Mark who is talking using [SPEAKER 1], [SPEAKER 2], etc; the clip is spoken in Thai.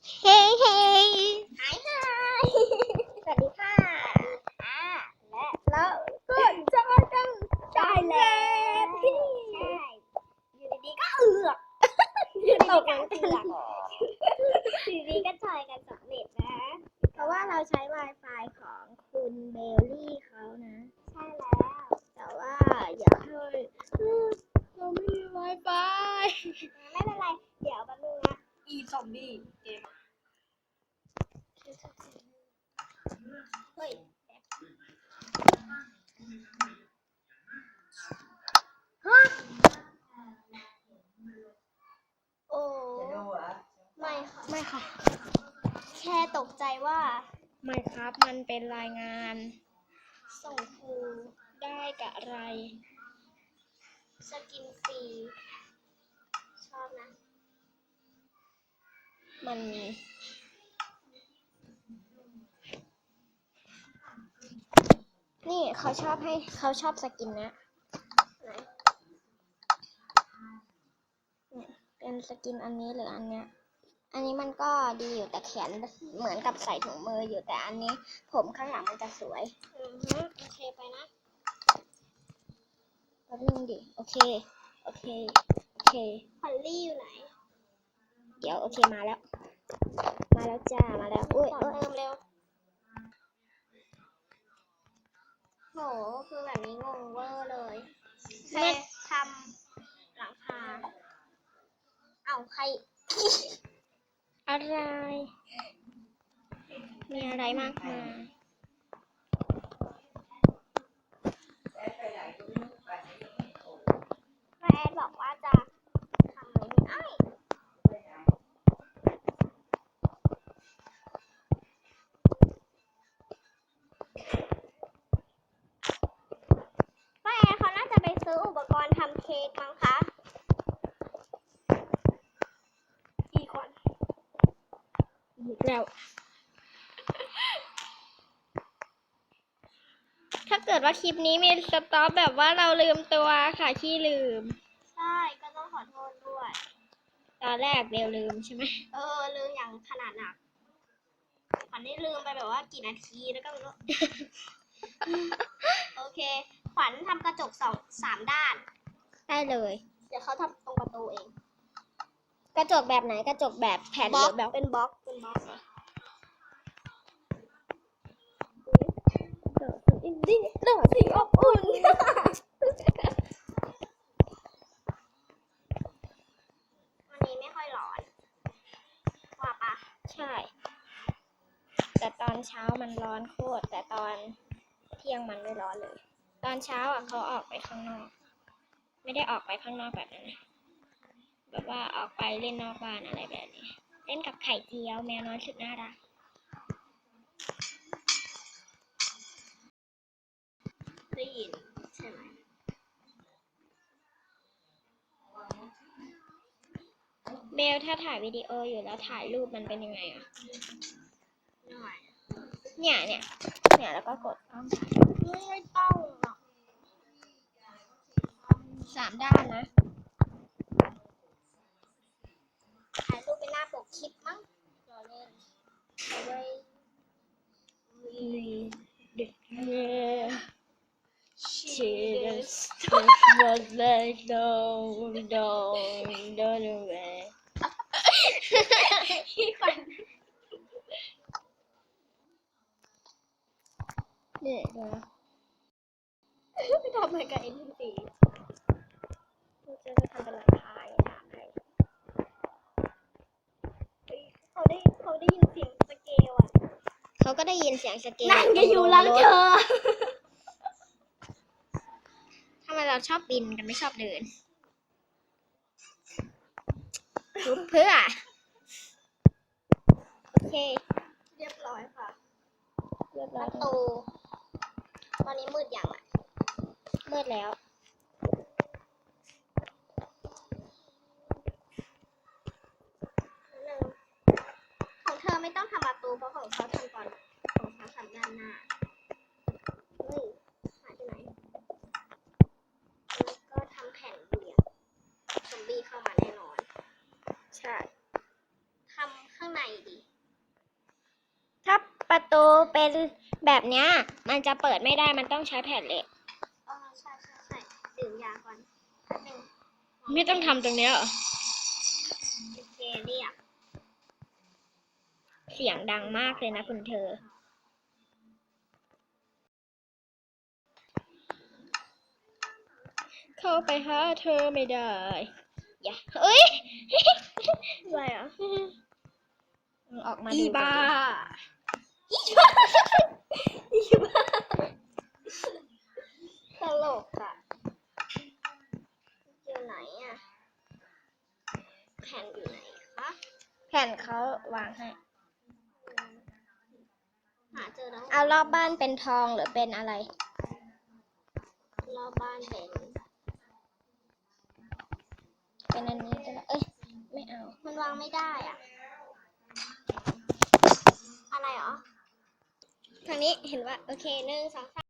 [SPEAKER 1] เฮ้เฮ้
[SPEAKER 2] หายหาย
[SPEAKER 1] สวัสดีค่ะ
[SPEAKER 2] และ
[SPEAKER 1] แล้วก็เจอกันได้แล้ว
[SPEAKER 2] ใช่อยู่ดีๆก็เอือกอยู่ดีๆก็เอือกอยู่ดีๆก็จอยกันสำเร็จนะ
[SPEAKER 1] เพราะว่าเราใช้ Wi-Fi ของคุณเบลลี่เขานะ
[SPEAKER 2] ใช่แล้ว
[SPEAKER 1] แต่ว่าอยากให้เราไม่มี Wi-Fi
[SPEAKER 2] ไม่เป็นไร เดี๋ยวแป๊บนึงนะซอมบี้เกมเฮ้ยโอ้ไม่ค่ะ
[SPEAKER 1] ไม่ค่ะ
[SPEAKER 2] แค่ตกใจว่า
[SPEAKER 1] ไม่ครับมันเป็นรายงาน
[SPEAKER 2] ส่งครู
[SPEAKER 1] ได้กับอะไร
[SPEAKER 2] สกินฟรีชอบนะ
[SPEAKER 1] มัน นี่เขาชอบสกินนะเป็นสกินอันนี้หรืออันเนี้ย อันนี้มันก็ดีอยู่แต่แขนเหมือนกับใส่ถุงมืออยู่แต่อันนี้ผมข้างหลังมันจะสวย
[SPEAKER 2] โอเคไปนะ
[SPEAKER 1] แป๊บนึงดิโอเค
[SPEAKER 2] พอลลี่อยู่ไหน
[SPEAKER 1] เดี๋ยวโอเคมาแล้วจ้ามาแล้วอุ้ย
[SPEAKER 2] ต่อเติมเร็ว โห คือแบบนี้งงเวอร์เลยแค่ทำหลังคา เอาใคร
[SPEAKER 1] อะไรมีอะไรมากมาย
[SPEAKER 2] แม่แอดบอกว่าจะทำอะไรนี่ไอ้ป้าแอดเขาน่าจะไปซื้ออุปกรณ์ทำเค้กมั้งคะกี่คน
[SPEAKER 1] อีกแล้วถ้าเกิดว่าคลิปนี้มีสต็อปแบบว่าเราลืมตัวค่ะขี้ลืม
[SPEAKER 2] ใช่ ก็ต้องขอโทษด้วย
[SPEAKER 1] ตอนแรกเบลลืมใช่ไหม
[SPEAKER 2] ลืมอย่างขนาดหนักขวัญได้ลืมไปแบบว่ากี่นาทีแล้วก็ไม่รู้ โอเค ขวัญทำกระจก3 ด้าน
[SPEAKER 1] ได้เลย
[SPEAKER 2] เดี๋ยวเขาทำตรงประตูเอง
[SPEAKER 1] กระจกแบบไหนกระจกแบบแผ่นหรือแบบ
[SPEAKER 2] เป็นบล็อกเลย
[SPEAKER 1] อินดี้เรื่องสีอบอุ่น
[SPEAKER 2] วันนี้ไม่ค่อยร้อน ว่าปะ
[SPEAKER 1] ใช่ แต่ตอนเช้ามันร้อนโคตรแต่ตอนเที่ยงมันไม่ร้อนเลย ตอนเช้าอ่ะเขาออกไปข้างนอก ไม่ได้ออกไปข้างนอกแบบนั้นนะแบบว่าออกไปเล่นนอกบ้านอะไรแบบนี้ เล่นกับไข่เจียวแมวน้อยสุดน่ารัก
[SPEAKER 2] ได้ยินใช่ไหม
[SPEAKER 1] เบลถ้าถ่ายวิดีโออยู่แล้วถ่ายรูปมันเป็นยังไงอ่ะ
[SPEAKER 2] หน่อย
[SPEAKER 1] เนี่ยแล้วก็กดต้อง
[SPEAKER 2] ไม่ต้องหรอก
[SPEAKER 1] 3 ด้านนะ
[SPEAKER 2] ถ่ายรูปเป็นหน้าปกคลิปมั้งรอเล่นเอาไว้
[SPEAKER 1] Cheers was like don't away
[SPEAKER 2] พี่ขวัญ
[SPEAKER 1] เนี่ยนะ
[SPEAKER 2] ไปทำอะไรกับเอ็นที
[SPEAKER 1] จะทำเป็นหลังคาถามให้
[SPEAKER 2] เขาได้ยินเสียงสเกลอ่ะ
[SPEAKER 1] เขาก็ได้ยินเสียงสเกล
[SPEAKER 2] นั่งจะอยู่หลังเธอ
[SPEAKER 1] ทำไมเราชอบบินกันไม่ชอบเดินลุกเพื่อ โอเค
[SPEAKER 2] เรียบร้อยค่ะ
[SPEAKER 1] เรียบ
[SPEAKER 2] ป
[SPEAKER 1] ร้อย
[SPEAKER 2] ระตู ตอนนี้มืดยังอ่ะ
[SPEAKER 1] มืดแล้ว
[SPEAKER 2] ของเธอไม่ต้องทำประตูเพราะของเขาทำก่อนของเขาทำด้านหน้า เฮ้ยหายไปไหน แล้วก็ทำแผ่นเบี่ยงซอมบี้เข้ามาแน่นอน
[SPEAKER 1] ใช่
[SPEAKER 2] ทำข้างในดี
[SPEAKER 1] ถ้าประตูเป็นแบบเนี้ยมันจะเปิดไม่ได้มันต้องใช้แผ่นเหล็ก
[SPEAKER 2] อ๋อใช่ดื่มยาก่อนแป๊บนึง
[SPEAKER 1] ไม่ต้องทำตรงเนี้ยเหรอ
[SPEAKER 2] โอเคเรียก
[SPEAKER 1] เสียงดังมากเลยนะคุณเธอ เข้าไปหาเธอไม่ได้ อย่าเอ้ย
[SPEAKER 2] อะไรอ่ะ
[SPEAKER 1] ออกมา
[SPEAKER 2] อี
[SPEAKER 1] ดู
[SPEAKER 2] บ้า
[SPEAKER 1] กันดิ
[SPEAKER 2] อีบ้าตลกอ่ะอยู่ไหนอ่ะแผ่นอยู่ไหนคะ
[SPEAKER 1] แผ่นเขาวางให้
[SPEAKER 2] หาเจอแล้ว
[SPEAKER 1] เอารอบบ้านเป็นทองหรือเป็นอะไร
[SPEAKER 2] รอบบ้านเป็น
[SPEAKER 1] เป็นอันนี้ก็ได้เอ้ย ไม่เอา
[SPEAKER 2] มันวางไม่ได้อ่ะ อะไรเหรอ
[SPEAKER 1] ทางนี้เห็นว่า
[SPEAKER 2] โอเค1 2 3